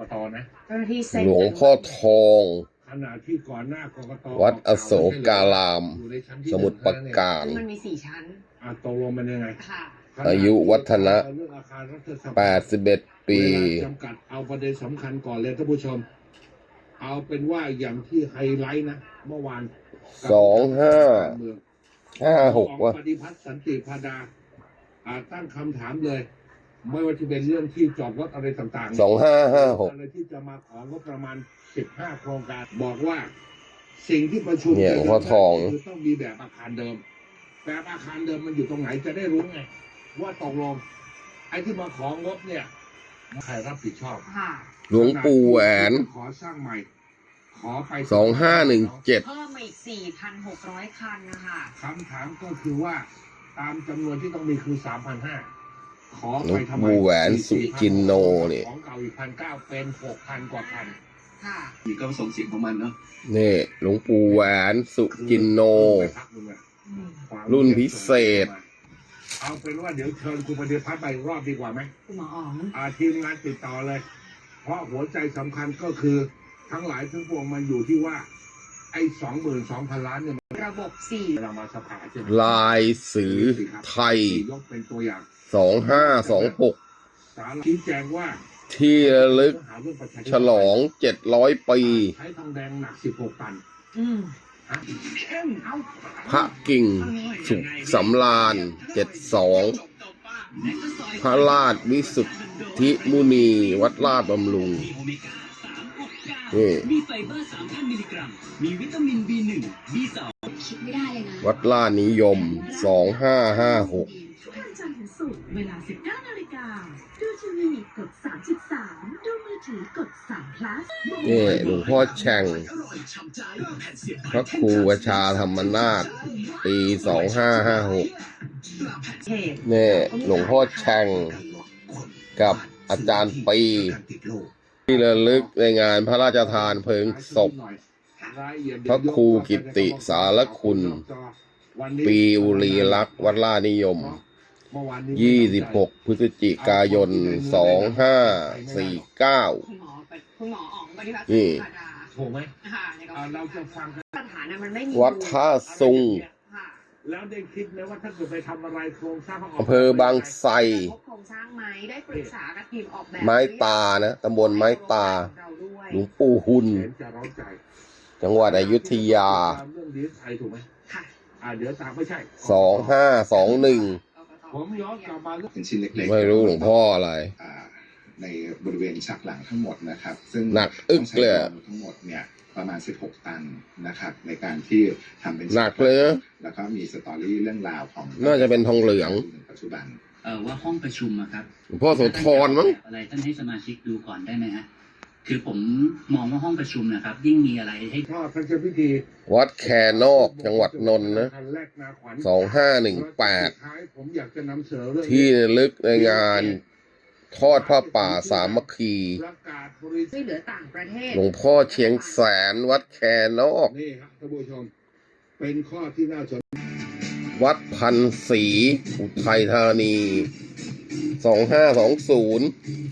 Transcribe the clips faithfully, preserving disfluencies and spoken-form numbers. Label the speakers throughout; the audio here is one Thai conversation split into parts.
Speaker 1: ตนะ
Speaker 2: เจ้าหน้าที่เซ็น
Speaker 3: หลวงพ่อทอง
Speaker 1: ขณะที่ก่อนหน้ากกต
Speaker 3: วัดอโศการาม
Speaker 1: อยู่ในชั้นที่
Speaker 3: สมุทรปราการ
Speaker 2: ซึ่งมันมีสี่ชั้น
Speaker 1: อ่ะตกลงมันยังไง
Speaker 2: ค่ะ
Speaker 3: อายุวัฒนะ
Speaker 1: เรื่องอาคารรัฐสภา
Speaker 3: แปดสิบเอ็ด ปี
Speaker 1: เวลาจำกัดเอาประเด็นสำคัญก่อนเลยท่านผู้ชม เอาเป็นว่าอย่างที่ไฮไลท์นะเมื่อวาน
Speaker 3: สองห้า
Speaker 1: เมือง
Speaker 3: ห้าหกวะ
Speaker 1: ปฏิพัฒน์สันติพาดาอ่าตั้งคำถามเลย ไม่ว่าจะเป็นเรื่องที่จอดรถอะไรต่างๆ
Speaker 3: สองห้าห้าหก
Speaker 1: อะไรที่จะมาของงบประมาณสิบห้าโครงการบอกว่า สิ่งที่ประชุม
Speaker 3: เนี่ยหลวงพ่อทอง
Speaker 1: คือต้องมีแบบอาคารเดิม แบบอาคารเดิมมันอยู่ตรงไหนจะได้รู้ไง ว่าตกลงไอ้ที่มาของงบเนี่ยใครรับผิดชอบ
Speaker 2: ค่ะ
Speaker 3: หลวงปู่แหวน
Speaker 1: ขอสร้างใหม่ ขอไป
Speaker 3: สองห้าหนึ่งเจ็ด
Speaker 2: เพิ่มมาอีก สี่พันหกร้อย คันนะคะ
Speaker 1: คำถามก็คือว่าตามจำนวนที่ต้องมีคือสามพันห้าขอ
Speaker 3: หลว
Speaker 1: ไป
Speaker 3: ง
Speaker 1: ทำไม
Speaker 3: ปู่แหวนสุจินโนนี่
Speaker 1: ของเก่าอีกพันเก้าเป็นหกพันกว่าคัน
Speaker 2: ค่ะ
Speaker 4: อีกก็ส่งเสียงของมันเนาะ
Speaker 3: นี่หลวงปู่แหวนสุจินโน
Speaker 2: อืม
Speaker 3: รุ่นพิเศษ
Speaker 1: เอาเป็นว่าเดี๋ยวเชิญคุณปฏิพัฒน์ไปอีกรอบดีกว่าไหม
Speaker 2: คุณหมออ๋อง
Speaker 1: อาทีมงานติดต่อเลย เพราะหัวใจสำคัญก็คือทั้งหลายทั้งปวงมันอยู่ที่ว่า ไอ้สองหมื่นสองพันล้านเนี่ยมัน
Speaker 2: ระบบสี่
Speaker 1: เวลามาสภาใช่ไหม
Speaker 3: ลายสือไทย
Speaker 1: ยกเป็นตัวอย่าง
Speaker 3: สองห้าสองหก
Speaker 1: สารชี้แจงว่า
Speaker 3: ที่ระลึก
Speaker 1: หาเรื่องประชาธิปไตย
Speaker 3: ฉลองเจ็ดร้อยปี
Speaker 1: ใช้ทองแดงหนักสิบหกตัน
Speaker 2: อืม
Speaker 1: ฮะเข้มเอา
Speaker 3: พระกิ่ง สุขสำราญเจ็ดสอง พระราชวิสุทธิมุนี วัดลาดบำรุง นี่
Speaker 5: มีไฟเบอร์สามพันมิลลิกรัม มีวิตามิน บี หนึ่ง บี สอง
Speaker 2: คิดไม่ได้เลยนะ
Speaker 3: วัดลาดนิยม สองห้าห้าหก
Speaker 6: ทุกวันจันทร์ถึงศุกร์เวลา สิบเก้า นาฬิกา ดูทีวีกด สามสิบสาม ดูมือถือกด สาม plus
Speaker 3: นี่หลวงพ่อแช่ง พระครูวชาธรรมนาถปี สองห้าห้าหก
Speaker 2: เหตุ
Speaker 3: นี่หลวงพ่อแช่งกับอาจารย์ปี ที่ระลึกในงานพระราชทานเพลิงศพ พระครูกิตติสารคุณ ปีอุรีลักษณ์วัดลาดนิยม ยี่สิบหก พฤศจิกายน สองห้าสี่เก้า
Speaker 2: คุณหมอคุณหมออ๋องปฏิบัติ
Speaker 3: นี่
Speaker 2: ธรรมดา
Speaker 1: ถูกไหม
Speaker 2: ค่ะในกร
Speaker 1: อ่าเรา
Speaker 2: ณี
Speaker 1: จะฟังกัน
Speaker 2: ปัญหานั้นมันไม่มี
Speaker 3: วัดท่าซุง
Speaker 2: ค่ะ
Speaker 1: แล้วได้คิดไหมว่าถ้าเกิดไปทำอะไรโครงสร้างเขาก
Speaker 3: อำเภอบางไทร
Speaker 2: พบโครงสร้างไหมได้ปรึกษากับทีมออกแบบ
Speaker 3: ไม้ตานะตำบลไม้ตา
Speaker 2: เราด้วย
Speaker 3: หลวงปู่หุน
Speaker 1: เห็นจะร้อนใจ
Speaker 3: จังหวัดอยุธยา
Speaker 1: ตามเรื่องดีเอสไอถูกไหม
Speaker 2: ค่ะ
Speaker 1: อ่าเดี๋ยวตามไม่ใช่
Speaker 3: สองห้าสองหนึ่ง
Speaker 1: ผมย้อนกลับมาเรื่อง
Speaker 4: เป็นชิ้นเล็กๆ
Speaker 3: ไม่รู้หลวงพ่ออะไร
Speaker 4: อ่าในบริเวณฉากหลังทั้งหมดนะครับ ซึ่ง
Speaker 3: หนักอึกเลย
Speaker 4: ต้องใช้ทั้งหมดเนี่ยประมาณสิบหกตันนะครับ ในการที่ทำเป็น
Speaker 3: หนักเลยนะ
Speaker 4: แล้วก็มีสตอรี่เรื่องราวของ
Speaker 3: น่าจะเป็นทองเหลือง
Speaker 4: ปัจจุบัน
Speaker 5: เอ่อว่าห้องประชุมอะครับ
Speaker 3: หลวงพ่อโสธรมั้ง
Speaker 5: อะไรท่านให้สมาชิกดูก่อนได้ไหมฮะ คือผมมองว่าห้องประชุมนะครับ ยิ่งมีอะไรให้
Speaker 1: พ่อท่านเจ้าพิธี
Speaker 3: วัดแคนอก จังหวัดนนท์นะ
Speaker 1: คัแรกนาขวัญ
Speaker 3: สองห้าหนึ่งแปด
Speaker 1: สุท้ายผมอยากจะนำเสนอเรื่อง
Speaker 3: ที่ระลึกในงานทอดผ้าป่าสามัคคี
Speaker 1: ประกาศบริษัท
Speaker 2: ช่วยเหลือต่างประเทศ
Speaker 3: หลวงพ่อเชียงแสน วัดแคนอก
Speaker 1: นี่ครับท่านผู้ชม เป็นข้อที่น่าสน
Speaker 3: วัดพันศรีอุทัยธานี สองห้าสองศูนย์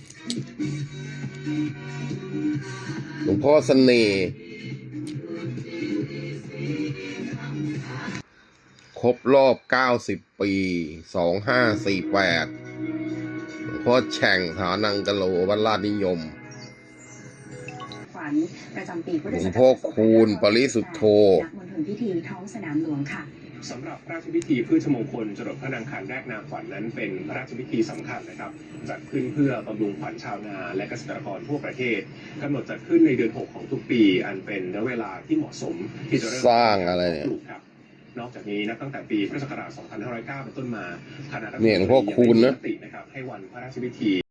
Speaker 3: หลวงพ่อเสน่ห์ครบรอบเก้าสิบปี สองห้าสี่แปด หลวงพ่อแฉ่งฐานังกะโลวัดลาดนิยม
Speaker 6: ขวัญประจำปีพุทธ
Speaker 3: หลว
Speaker 6: ศั
Speaker 3: ง
Speaker 6: ก
Speaker 3: พ่อ
Speaker 6: ราช
Speaker 3: คูณปริสุทธโธ
Speaker 6: ณมณฑลพิธีท้องสนามหลวงค่ะ
Speaker 7: สำหรับพระราชพิธีพืชมงคลจรดพระนางคันแรกนาขวัญนั้นเป็นพระราชพิธีสำคัญนะครับจัดขึ้นเพื่อบำรุงขวัญชาวนาและเกษตรกรทั่วประเทศกำหนดจัดขึ้นในเดือนหกของทุกปี อันเป็นระยะเวลาที่เหมาะสมที่จะเริ่ม
Speaker 3: สร้างอะไรเนี่ย
Speaker 7: ปลูกครับนอกจากนี้นับตั้งแต่ปีพุทธศักราช สองพันห้าร้อยเก้า เป็นต้นมาคณะรัฐมนตรี
Speaker 3: เนี่ยหลวงพ่อคูณนะ
Speaker 7: ยังได้มีมตินะครับให้วันพระราชพิธี